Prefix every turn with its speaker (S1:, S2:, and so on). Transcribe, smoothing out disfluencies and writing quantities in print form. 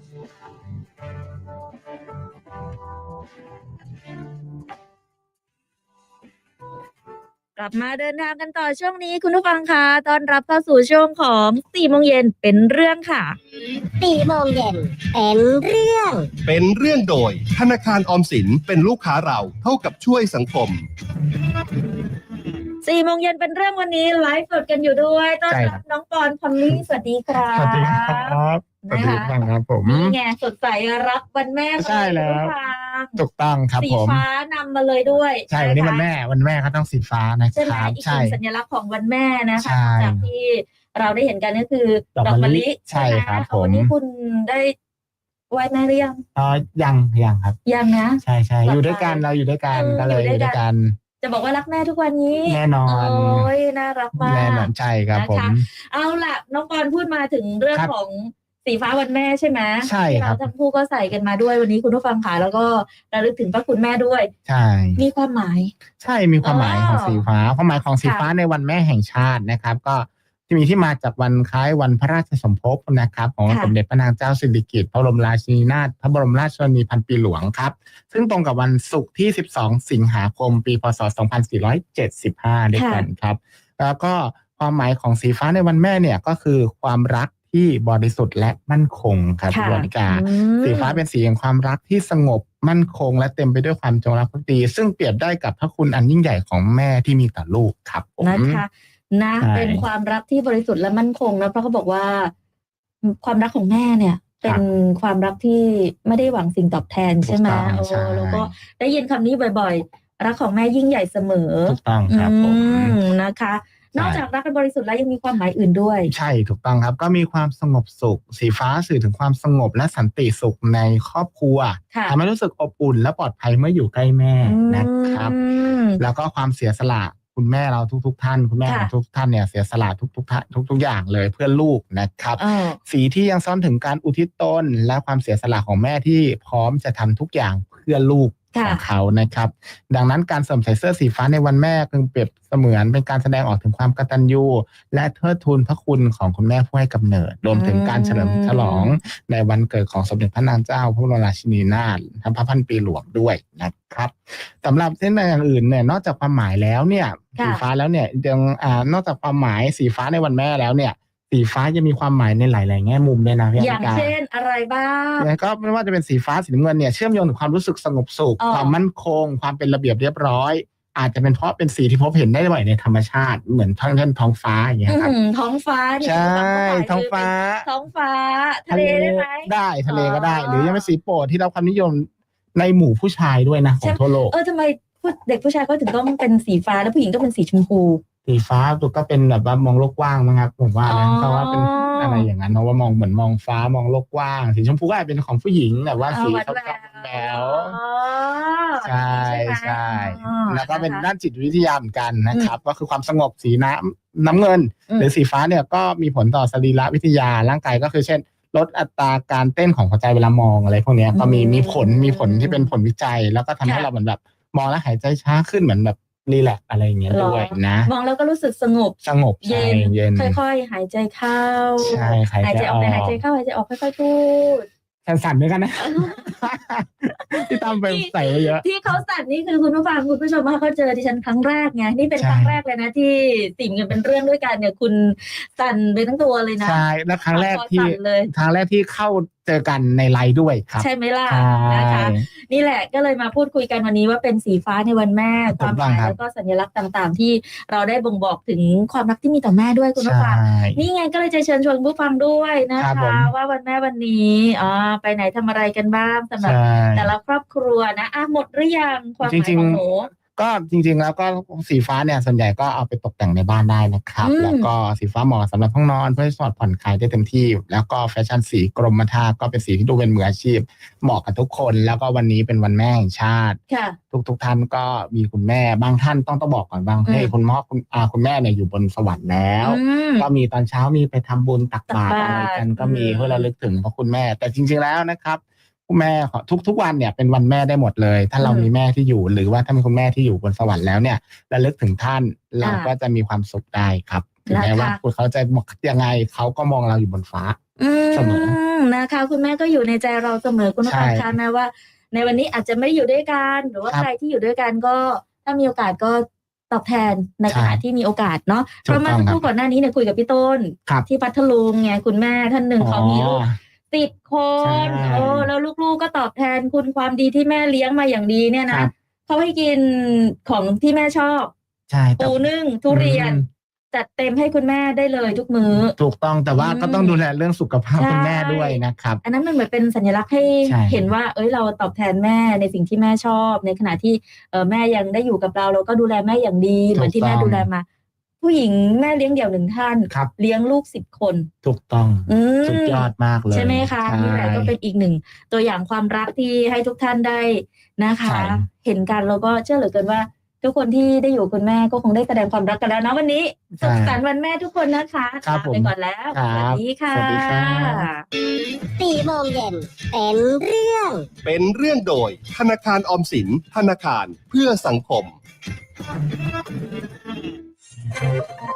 S1: กลับมาเดินทางกันต่อช่วงนี้คุณผู้ฟังคะต้อนรับเข้าสู่ช่วงของ4 โมงเย็นเป็นเรื่องค่ะ
S2: 4 โมงเย็นเป็นเรื่อง
S3: โดยธนาคารออมสินเป็นลูกค้าเราเท่ากับช่วยสังคม
S1: 4 โมงเย็นเป็นเรื่องวันนี้ไลฟ์สดกันอยู่ด้วยต้อนรับน้องปอนพอลลี่สวัสดีครับ
S4: สวัสดีครับสวัสดีครับผม
S1: นี่ไงสดใสรับวันแม่
S4: ใช่แล้วถูกต้องครับผม
S1: สีฟ้านำมาเลยด้วย
S4: ใช่วันนี้วันแม่เขาต้องสีฟ้านะครับ
S1: ใช่อีกสัญลักษณ์ของวันแม่นะคะจากที่เราได้เห็นกันก็คือดอกมะลิ
S4: ใช่ครับผม
S1: วันนี้คุณได้ไหว้แม่หรือยัง
S4: ยังครับ
S1: ยังนะ
S4: ใช่อยู่ด้วยกันเราอยู่ด้วยกันก็เลยอยู่ด้วยกัน
S1: จะบอกว่ารักแม่ทุกวันนี้
S4: แน่นอน
S1: โอ้ยน่ารักมาก
S4: แน่นอนใช่ครับผม
S1: เอาล่ะน้องปอนพูดมาถึงเรื่องของสีฟ้าวันแม่ใช่ไหม
S4: ใช่ครับ
S1: เราทั้งคู่ก็ใส่กันมาด้วยวันนี้คุณผู้ฟังค่ะแล้วก็ระลึกถึงพระคุณแม่ด้วย
S4: ใช่
S1: มีความหมาย
S4: ใช่มีความหมายของสีฟ้าความหมายของสีฟ้าในวันแม่แห่งชาตินะครับก็จะมีที่มาจากวันคล้ายวันพระราชสมภพนะครับของสมเด็จพระนางเจ้าสิริกิติ์พระบรมราชินีนาถพระบรมราชชนนีพันปีหลวงครับซึ่งตรงกับวันศุกร์ที่12 สิงหาคมปีพ.ศ. 2475ด้วยกันครับแล้วก็ความหมายของสีฟ้าในวันแม่เนี่ยก็คือความรักที่บริสุทธิ์และมั่นคงครับคุณวรรณิกาสีฟ้าเป็นสีแห่งความรักที่สงบมั่นคงและเต็มไปด้วยความจงรักภักดีซึ่งเปรียบได้กับพระคุณอันยิ่งใหญ่ของแม่ที่มีต่อลูกครับ
S1: นะคะเป็นความรักที่บริสุทธิ์และมั่นคงนะเพราะเขาบอกว่าความรักของแม่เนี่ยเป็นความรักที่ไม่ได้หวังสิ่งตอบแทนใช่ไหมแล้วก็ได้ยินคำนี้บ่อยๆรักของแม่ยิ่งใหญ่เสมอ
S4: ถูกต้องครับ
S1: นะคะนอกจากรักกันบริสุทธิ์แล้วยังมีความหมายอื่นด้วย
S4: ใช่ถูกต้องครับก็มีความสงบสุขสีฟ้าสื่อถึงความสงบและสันติสุขในครอบครัวทำให้รู้สึกอบอุ่นและปลอดภัยเมื่ออยู่ใกล้แม่นะครับแล้วก็ความเสียสละคุณแม่เราทุกท่านคุณแม่ของทุกท่านเนี่ยเสียสละทุกอย่างเลยเพื่อลูกนะครับสีที่ยังซ่อนถึงการอุทิศตนและความเสียสละของแม่ที่พร้อมจะทำทุกอย่างเพื่อลูกของเขานะครับดังนั้นการสวมใส่เสื้อสีฟ้าในวันแม่จึงเปรียบเสมือนเป็นการแสดงออกถึงความกตัญญูและเทิดทูนพระคุณของคุณแม่ผู้ให้กำเนิดรวมถึงการเฉลิมฉลองในวันเกิดของสมเด็จพระนางเจ้าพระบรมราชินีนาถพระพันปีหลวงด้วยนะครับสำหรับเส้นในอย่างอื่นเนี่ยนอกจากความหมายแล้วเนี่ยสีฟ้าแล้วเนี่ยยังนอกจากความหมายสีฟ้าในวันแม่แล้วเนี่ยสีฟ้าจะมีความหมายในหลายๆแง่มุมด้วยนะพี่
S1: อย่างเช่นอะไรบ้าง
S4: แล้วก็ไม่ว่าจะเป็นสีฟ้าสีน้ำเงินเนี่ยเชื่อมโยงถึงความรู้สึกสงบสุขความมั่นคงความเป็นระเบียบเรียบร้อยอาจจะเป็นเพราะเป็นสีที่พบเห็นได้บ่อยในธรรมชาติเหมือนท้องฟ้าอย่างเงี้ยครับ
S1: ท้องฟ้า
S4: ใช่ท้องฟ้า
S1: ทะเลได้ไหม
S4: ได้ทะเลก็ได้หรือยังเป็นสีโปรดที่รับความนิยมในหมู่ผู้ชายด้วยนะของทั่วโลก
S1: ทำไมเด็กผู้ชายก็ถึงต้องเป็นสีฟ้าแล้วผู้หญิงก็เป็นสีชมพู
S4: สีฟ้าตัวก็เป็นแบบว่ามองโลกกว้างมั้งครับผมว่านะเพราะว่าเป็นอะไรอย่างนั้นเพราะว่ามองเหมือนมองฟ้ามองโลกกว้างสีชมพูก็อาจเป็นของผู้หญิงแบบว่าสีขาวๆแบวใช่แล้วก็เป็นด้านจิตวิทยาเหมือนกันนะครับก็คือความสงบสีน้ำเงินหรือสีฟ้าเนี่ยก็มีผลต่อสรีรวิทยาร่างกายก็คือเช่นลดอัตราการเต้นของหัวใจเวลามองอะไรพวกนี้ก็มีผลที่เป็นผลวิจัยแล้วก็ทำให้เราเหมือนแบบมองแล้วหายใจช้าขึ้นเหมือนแบบรีแลกอะไรอย่างเงี้ยด้วยนะ
S1: มองแล้วก็รู้สึกสงบ
S4: เย็น
S1: ค่อยๆหายใจเข้า
S4: ใช่
S1: หายใจออกหายใจเข้าหายใจออกค่อยๆพูด
S4: สั่นๆด้วยกันนะที่ตามไปใส่เยอะ
S1: ที่เขาสั่นนี่คือคุณผู้ฟังคุณผู้ชมมาเขาเจอดิฉันครั้งแรกไงนี่เป็นครั้งแรกเลยนะที่สิ่งเงินเป็นเรื่องด้วยกันเนี่ยคุณสั่นไปทั้งตัวเลยนะ
S4: ใช่แล้วครั้งแรกที่เข้าเจอกันในไลน์ด้วยครับ
S1: ใช่ไหมล่ะนะคะนี่แหละก็เลยมาพูดคุยกันวันนี้ว่าเป็นสีฟ้าในวันแม่ความหมายแล้วก็สัญลักษณ์ต่างๆที่เราได้บ่งบอกถึงความรักที่มีต่อแม่ด้วยคุณผู้ฟังนี่ไงก็เลยจะเชิญชวนผู้ฟังด้วยนะคะว่าวันแม่วันนี้ไปไหนทำอะไรกันบ้างสำหรับแต่ละครอบครัวนะหมดหรือยังความหมายของหนู
S4: ก็จริงๆแล้วก็สีฟ้าเนี่ยส่วนใหญ่ก็เอาไปตกแต่งในบ้านได้นะครับแล้วก็สีฟ้าเหมาะสำหรับห้องนอนเพื่อให้สอดผ่อนคลายได้เต็มที่แล้วก็แฟชั่นสีกรมท่าก็เป็นสีที่ดูเป็นมืออาชีพเหมาะกับทุกคนแล้วก็วันนี้เป็นวันแม่แห่งชาติทุกท่านก็มีคุณแม่บางท่านต้องบอกก่อนบางให้คุณพ่อคุณแม่เนี่ยอยู่บนสวรรค์แล้วก็มีตอนเช้ามีไปทำบุญตักบาตรอะไรกันก็มีเพื่อระลึกถึงพระคุณแม่แต่จริงๆแล้วนะครับแม่ทุกวันเนี่ยเป็นวันแม่ได้หมดเลยถ้าเรามีแม่ที่อยู่หรือว่าถ้ามีคุณแม่ที่อยู่บนสวรรค์แล้วเนี่ยระลึกถึงท่านเราก็จะมีความสุขได้ครับถึงแม้ว่าเขาจะยังไงเขาก็มองเราอยู่บนฟ้าเสมอ
S1: นะคะคุณแม่ก็อยู่ในใจเราเสมอคุณผู้ฟังคะแม้ว่าในวันนี้อาจจะไม่ได้อยู่ด้วยกันหรือว่าใครที่อยู่ด้วยกันก็ถ้ามีโอกาสก็ตอบแทนในขณะที่มีโอกาสเนาะเพราะเมื่อสักครู่ก่อนหน้านี้เนี่ยคุยกับพี่ต้นที่พัทลุงไงคุณแม่ท่านหนึ่งเขามีลูก10 คนแล้วลูกๆก็ตอบแทนคุณความดีที่แม่เลี้ยงมาอย่างดีเนี่ยนะเขาให้กินของที่แม่ชอบปูนึ่งทุเรียนจัดเต็มให้คุณแม่ได้เลยทุกมื้อ
S4: ถูกต้องแต่ว่าก็ต้องดูแลเรื่องสุขภาพคุณแม่ด้วยนะครับ
S1: อันนั้นมันเหมือนเป็นสัญลักษณ์ให้เห็นว่าเราตอบแทนแม่ในสิ่งที่แม่ชอบในขณะที่แม่ยังได้อยู่กับเราก็ดูแลแม่อย่างดีเหมือนที่แม่ดูแลมาผู้หญิงแม่เลี้ยงเดี่ยว1 ท่านเลี้ยงลูก10 คน
S4: ถูกต้องสุดยอดมากเลย
S1: ใช่ไหมคะนี่แหละก็เป็นอีกหนึ่งตัวอย่างความรักที่ให้ทุกท่านได้นะคะเห็นกันแล้วก็เชื่อเหลือเกินว่าทุกคนที่ได้อยู่คุณแม่ก็คงได้แสดงความรักกันแล้วนะวันนี้สุขสันต์วันแม่ทุกคนนะคะลาไปก่อนแล้วสวัสดีค่ะ
S2: 4 โมงเย็นเป็นเรื่อง
S3: โดยธนาคารออมสินธนาคารเพื่อสังคม